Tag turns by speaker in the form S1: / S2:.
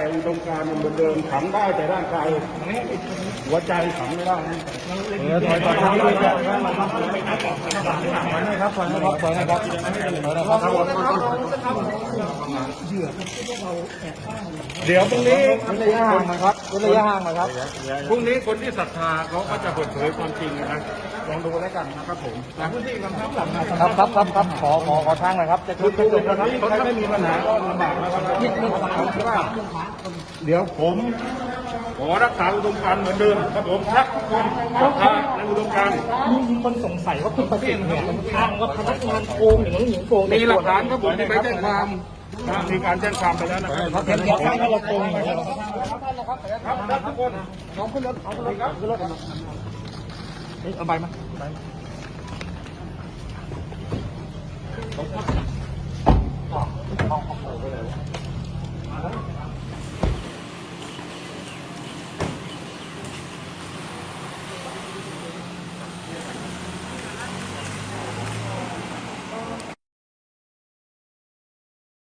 S1: อุดมการณ์เหมือนเดิมขังได้แต่ร่างกายหัวใจขังไม่ได้นะถอยครับถอยเดี๋ยวพรุ่งนี้ระยะห่างนะครับระยะห่างนะครับพรุ่งนี้คนที่ศรัทธาเขาก็จะเปิดเผยความจริงนะลองดูแล้วกันนะครับผมพื้นที่กำชับหลังครับขอทางหน่อยครับจะชุดจบแล้วครับใครไม่มีปัญหาก็ลำบากนะครับเดี๋ยวผมขอรักษาอุดมการณ์เหมือนเดิมครับผมรักทุกคนศรัทธาในอุดมการณ์
S2: มีคนสงสัยว่าคุณประสิทธิ์เนี่ยทางว่าพนักงานโกงหรือน้องหญิงโกง
S1: มีหลักฐานครับผมที่ไปแจ้งความมีการแจ้งความไปแล้วนะครับ
S2: เห็นว่าเราโกงอย่างนี้
S1: ครับทุกคนน้องขึ้นรถครับขึ้นรถ
S2: เอาใบมา
S1: เอา